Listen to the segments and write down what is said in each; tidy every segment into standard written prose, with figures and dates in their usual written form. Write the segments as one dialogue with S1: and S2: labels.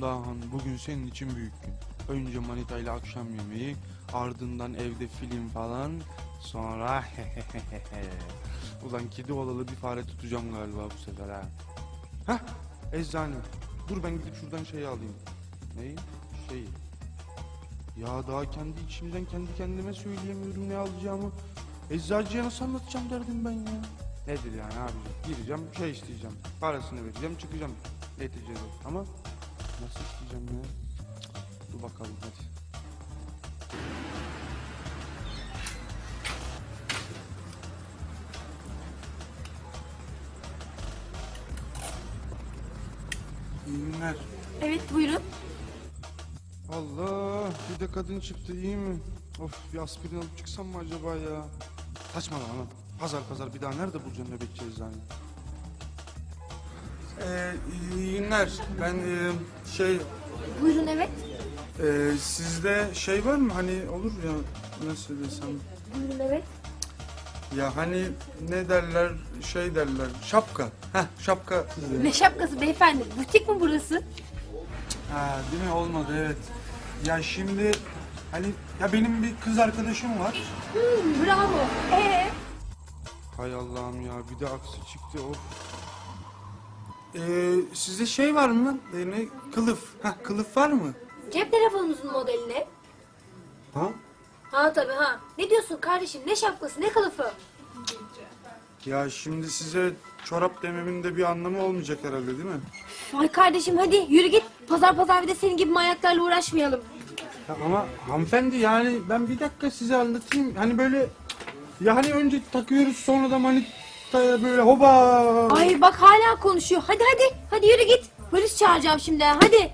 S1: Dahan, bugün senin için büyük gün. Önce manitayla akşam yemeği, ardından evde film falan, sonra ulan kedi olalı bir fare tutacağım galiba bu sefer ha. Hah, eczane. Dur ben gidip şuradan şeyi alayım. Neyi? Şeyi. Ya daha kendi içimden kendi kendime söyleyemiyorum ne alacağımı. Eczacıya nasıl anlatacağım derdim ben ya. Nedir yani abi? Gireceğim, şey isteyeceğim. Parasını vereceğim, çıkacağım neticede. Ama nasıl isteyeceğim ya? Dur bakalım hadi. İyi günler.
S2: Evet, buyurun.
S1: Allah, bir de kadın çıktı, iyi mi? Of, bir aspirin alıp çıksam mı acaba ya? Saçmalama lan. Pazar bir daha nerede bulacağım nöbetçi eczane? İyi günler. Ben
S2: Buyurun, evet.
S1: sizde şey var mı hani olur ya nasıl desem
S2: Buyurun, evet.
S1: ya hani ne derler şey derler şapka. Heh, şapka.
S2: Ne şapkası beyefendi? Butik mi burası?
S1: Ha, değil mi olmadı evet. Ya şimdi hani ya benim bir kız arkadaşım var.
S2: Bravo.
S1: Hay Allah'ım ya bir de aksi çıktı of. Sizde şey var mı? Ne? Kılıf. Heh, kılıf var mı?
S2: Cep telefonunuzun modeli ne?
S1: Ha?
S2: Ha tabii ha. Ne diyorsun kardeşim? Ne şapkası, ne kılıfı?
S1: Ya şimdi size çorap dememin de bir anlamı olmayacak herhalde değil mi?
S2: Ay kardeşim hadi yürü git. Pazar bir de senin gibi manyaklarla uğraşmayalım.
S1: Ya ama hanımefendi yani ben bir dakika size anlatayım. Hani böyle ya hani önce takıyoruz sonra da manitaya böyle hoba.
S2: Ay bak hala konuşuyor. Hadi. Hadi yürü git. Polis çağıracağım şimdi. Hadi.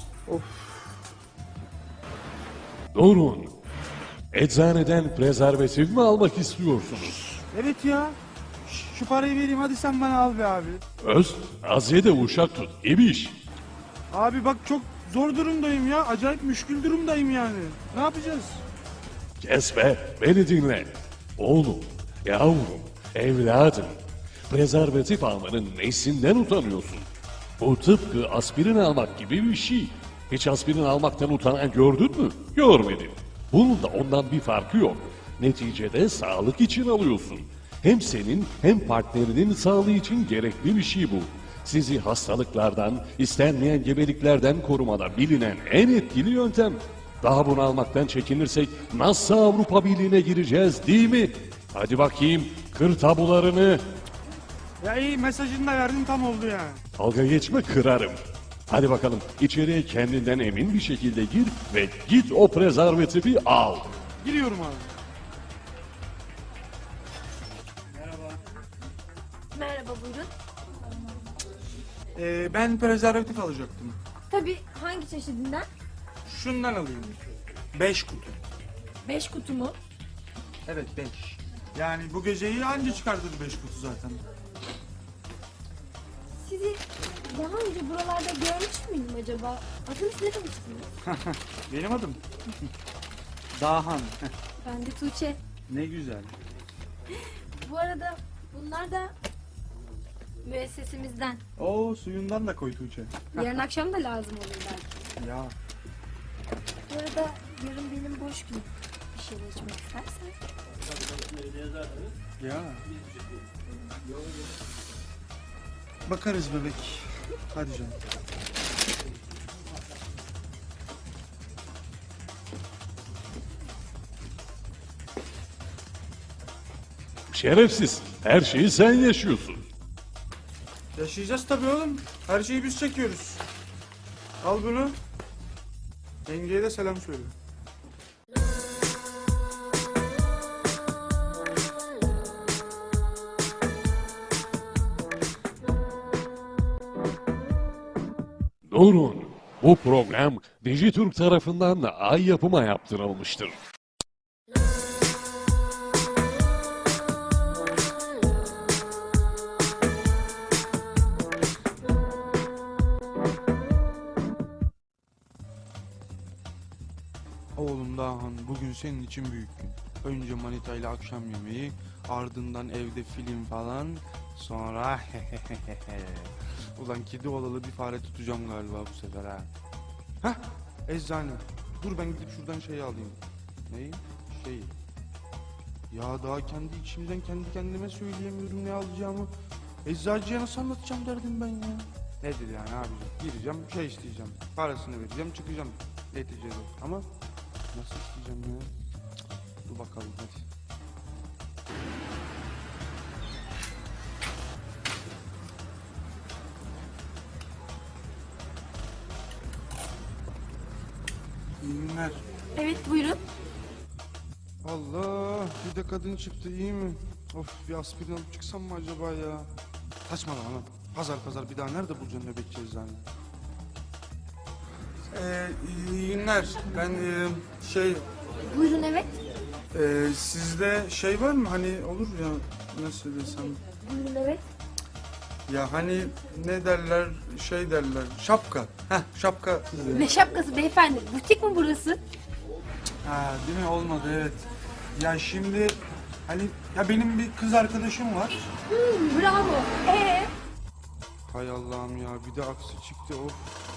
S3: Durun. Eczaneden prezervatif mi almak istiyorsunuz?
S1: Evet ya. Şu parayı vereyim hadi sen bana al be abi.
S3: Az ye de uşak tut. İbiş.
S1: Abi bak çok zor durumdayım ya. Acayip müşkül durumdayım yani. Ne yapacağız?
S3: Kes be, beni dinle. Oğlum, yavrum, evladım. Prezervatif almanın nesinden utanıyorsun? Bu tıpkı aspirin almak gibi bir şey. Hiç aspirin almaktan utanan gördün mü? Görmedim. Bunun da ondan bir farkı yok. Neticede sağlık için alıyorsun. Hem senin hem partnerinin sağlığı için gerekli bir şey bu. Sizi hastalıklardan, istenmeyen gebeliklerden korumada bilinen en etkili yöntem. Daha bunu almaktan çekinirsek nasıl Avrupa Birliği'ne gireceğiz değil mi? Hadi bakayım kır tabularını.
S1: Ya iyi mesajını da verdin tam oldu yani.
S3: Dalga geçme kırarım. Hadi bakalım içeriye kendinden emin bir şekilde gir ve git o prezervatifi al.
S1: Giriyorum abi.
S2: Merhaba buyurun.
S1: Ben prezervatif alacaktım.
S2: Tabii hangi çeşidinden?
S1: Şundan alayım. 5 kutu.
S2: 5 kutu mu?
S1: Evet 5. Yani bu geceyi anca çıkartır 5 kutu zaten.
S2: Sizi daha önce buralarda görmüş müydüm acaba? Adınız ne demiştiniz?
S1: Benim adım. Dahan.
S2: Ben de Tuğçe.
S1: Ne güzel.
S2: Bu arada bunlar da müessesemizden.
S1: Oo suyundan da koy Tuğçe.
S2: Yarın akşam da lazım olur belki.
S1: Ya.
S2: Bu arada yarın benim boş günüm. Bir şeyler içmek istersen.
S1: Ya. Bakarız bebek. Hadi canım.
S3: Şerefsiz her şeyi sen yaşıyorsun.
S1: Yaşayacağız tabii oğlum. Her şeyi biz çekiyoruz. Al bunu. Yengeye de selam söyle.
S3: Durun. Bu program Dijitürk tarafından da Ay Yapım'a yaptırılmıştır.
S1: Oğlum Dahan, bugün senin için büyük gün. Önce manitayla akşam yemeği, ardından evde film falan, sonra ulan kedi olalı bir fare tutacağım galiba bu sefer ha. Hah, eczane. Dur ben gidip şuradan şeyi alayım. Neyi? Şeyi. Ya daha kendi içimden kendi kendime söyleyemiyorum ne alacağımı. Eczacıya nasıl anlatacağım derdim ben ya. Nedir yani abicim? Gireceğim, şey isteyeceğim. Parasını vereceğim, çıkacağım neticede. Ama nasıl isteyeceğim ya? Cık, dur bakalım hadi. İyi günler.
S2: Evet buyurun.
S1: Allah, bir de kadın çıktı, iyi mi? Of, bir aspirin alıp çıksam mı acaba ya? Saçmalama lan. Pazar bir daha nerede bulacaksın nöbetçi eczane? İyi günler. Ben
S2: Buyurun evet.
S1: sizde şey var mı hani olur ya nasıl desem
S2: Buyurun evet.
S1: ya hani ne derler şey derler şapka. Heh, şapka.
S2: Ne şapkası beyefendi? Butik mi burası?
S1: Ha, değil mi? Olmadı evet. Ya şimdi hani ya benim bir kız arkadaşım var.
S2: Bravo.
S1: Hay Allah'ım ya bir de aksi çıktı of.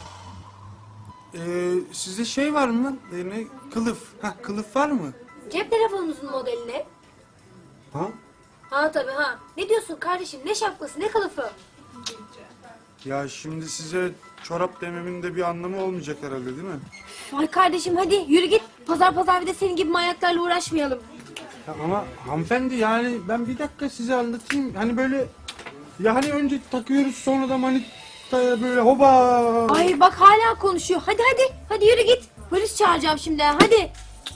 S1: Sizde şey var mı? Ne? Kılıf. Heh, kılıf var mı?
S2: Cep telefonunuzun modeli ne?
S1: Ha?
S2: Ha tabii ha. Ne diyorsun kardeşim? Ne şapkası ne kılıfı?
S1: Ya şimdi size çorap dememin de bir anlamı olmayacak herhalde değil mi?
S2: Ay kardeşim hadi yürü git. Pazar bir de senin gibi manyaklarla uğraşmayalım.
S1: Ya ama hanımefendi yani ben bir dakika size anlatayım. Hani böyle ya hani önce takıyoruz sonra da manitaya böyle hoba.
S2: Ay bak hala konuşuyor. Hadi yürü git. Polis çağıracağım şimdi ha, hadi.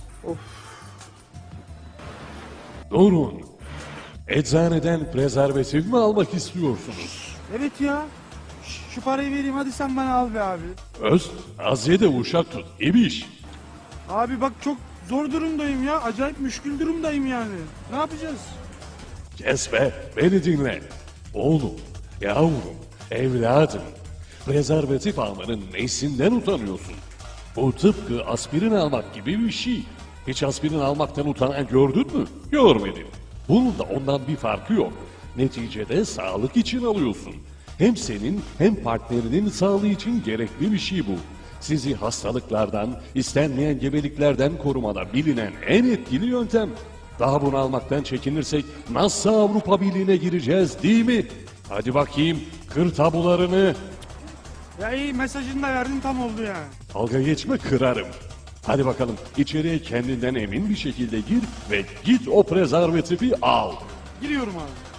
S3: Durun. Eczaneden prezervatif mi almak istiyorsunuz?
S1: Evet ya. Şu parayı vereyim hadi sen bana al be abi.
S3: Öz, az ye de uşak tut. İbiş.
S1: Abi bak çok zor durumdayım ya. Acayip müşkül durumdayım yani. Ne yapacağız?
S3: Kes be, beni dinle. Oğlum, yavrum, evladım. Prezervatif almanın nesinden utanıyorsun? Bu tıpkı aspirin almak gibi bir şey. Hiç aspirin almaktan utanan gördün mü? Görmedim. Bunun da ondan bir farkı yok. Neticede sağlık için alıyorsun. Hem senin hem partnerinin sağlığı için gerekli bir şey bu. Sizi hastalıklardan, istenmeyen gebeliklerden korumada bilinen en etkili yöntem. Daha bunu almaktan çekinirsek nasıl Avrupa Birliği'ne gireceğiz değil mi? Hadi bakayım kır tabularını.
S1: Ya iyi mesajını da verdin tam oldu yani.
S3: Dalga geçme kırarım. Hadi bakalım içeriye kendinden emin bir şekilde gir ve git o prezervatifi al.
S1: Giriyorum abi.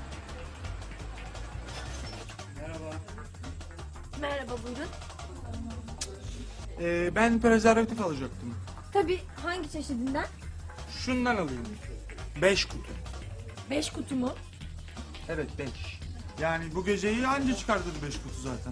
S2: Merhaba buyurun.
S1: Ben prezervatif alacaktım.
S2: Tabii hangi çeşidinden?
S1: Şundan alayım. 5 kutu.
S2: 5 kutu mu?
S1: Evet 5. Yani bu geceyi anca çıkartırdı 5 kutu zaten.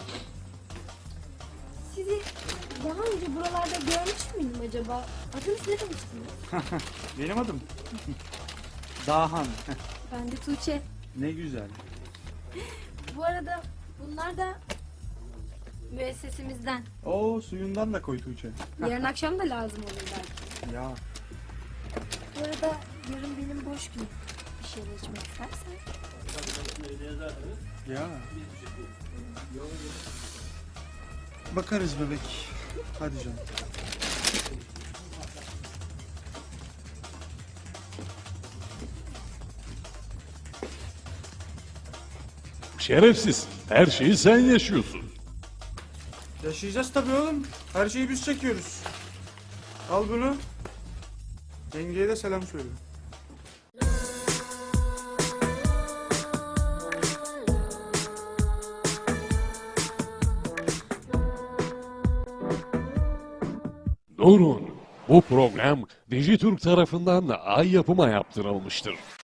S2: Sizi daha önce buralarda görmüş müydüm acaba? Adınız ne demiştiniz?
S1: Benim adım. Dahan.
S2: Ben de Tuğçe.
S1: Ne güzel.
S2: Bu arada bunlar da müessesemizden.
S1: Oo suyundan da koy Tuğçe.
S2: Yarın akşam da lazım olur belki.
S1: Ya.
S2: Bu arada yarın benim boş günüm. Bir şeyler içmek istersen.
S1: Ya. Bakarız bebek. Hadi canım.
S3: Şerefsiz her şeyi sen yaşıyorsun.
S1: Yaşayacağız tabii oğlum. Her şeyi biz çekiyoruz. Al bunu. Yengeye de selam söyle.
S3: Durun. Bu program Dijitürk tarafından Ay Yapım'a yaptırılmıştır.